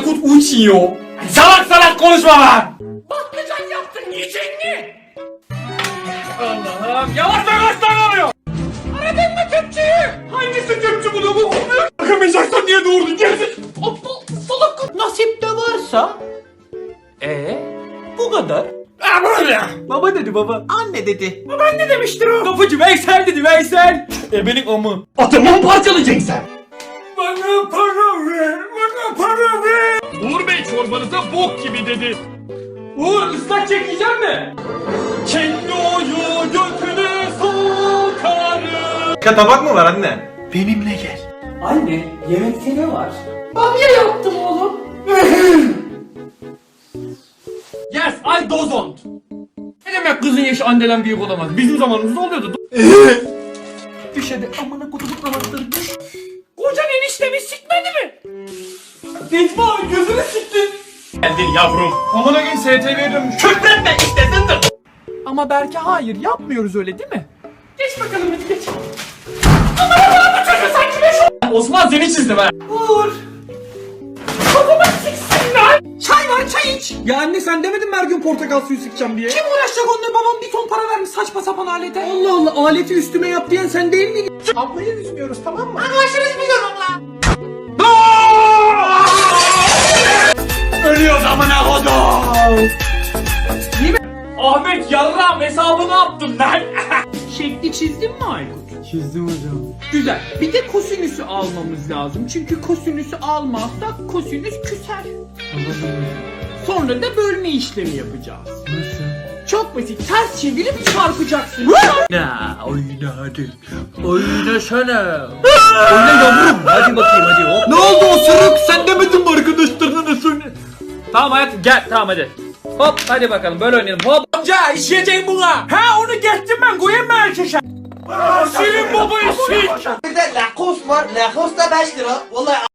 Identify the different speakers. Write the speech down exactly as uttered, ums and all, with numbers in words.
Speaker 1: Aykut uçuyor. Salak salak konuşma lan. Patlıcan yaptın yiyecek mi? Allah'ım yavaş yavaş lan oluyor. Aradın mı tüpçüyü? Hangisi tüpçü bunu bu? Bakamayacaksan niye doğurdun gerizek? Aptal salak.
Speaker 2: Nasip de varsa
Speaker 1: Eee?
Speaker 2: bu kadar.
Speaker 1: Ha böyle.
Speaker 2: Baba dedi baba. Anne dedi.
Speaker 1: Ben ne demiştir o? Kapıcı Veysel dedi Veysel. E benim amı. Atımı mı parçalayacaksın sen? Bana para ver, bana para ver. Uğur Bey çorbanıza bok gibi dedi. Uğur ıslak çekeceğim mi? Kendi oyu götüne sokarım.
Speaker 3: Tabak mı var anne?
Speaker 2: Benimle gel.
Speaker 1: Anne yemekte ne var?
Speaker 2: Bamya yaptım oğlum.
Speaker 1: Yes, I don't. Ne demek kızın yaşı anneden büyük olamaz? Bizim zamanımızda oluyordu.
Speaker 2: Düş hadi amına kutumun anahtarı düş.
Speaker 1: Kocan eniştemi sikmedi mi? Necmi abi gözünü siktin. Geldin yavrum. Aman gün S T V'ye dönmüş. Küfretme istesindir.
Speaker 2: Ama belki hayır yapmıyoruz öyle değil mi?
Speaker 1: Geç bakalım hadi geç. Aman Allah'ım bu çocuğu sanki beş o... Osman seni çizdim ha.
Speaker 2: Uğur.
Speaker 1: Kafama siksin lan.
Speaker 2: Çay var çay iç.
Speaker 1: Ya anne sen demedin mi her gün portakal suyu sıkacağım diye?
Speaker 2: Kim uğraşacak onunla babam bir ton para vermiş saçma sapan alete. Allah Allah aleti üstüme yap diyen sen değil miydin? Ablayı üzmüyoruz tamam mı?
Speaker 1: Ölüyoruz amına kodum. Ahmet yarram hesabını yaptım lan.
Speaker 2: Şekli çizdin mi Aykut?
Speaker 3: Çizdim hocam.
Speaker 2: Güzel. Bir de kosinüsü almamız lazım. Çünkü kosinüsü almazsak kosinüs küser. Sonra da bölme işlemi yapacağız.
Speaker 3: Nasıl?
Speaker 2: Çok basit. Ters çevirip çarpacaksın.
Speaker 3: Ya oyna hadi. Oynasana. Oyna yavrum. Hadi bakayım hadi hop.
Speaker 1: Ne oldu o sırık? Sen demedin mi arkadaşlarına söyle? Tamam hayatım gel tamam hadi. Hop hadi bakalım böyle oynayalım hop. Amca işleyeceğim buna. Ha onu geçtim ben koyayım mı erkeşe? Senin babayı sik.
Speaker 4: Bir de Lacoste var. Lacoste da beş lira. Vallahi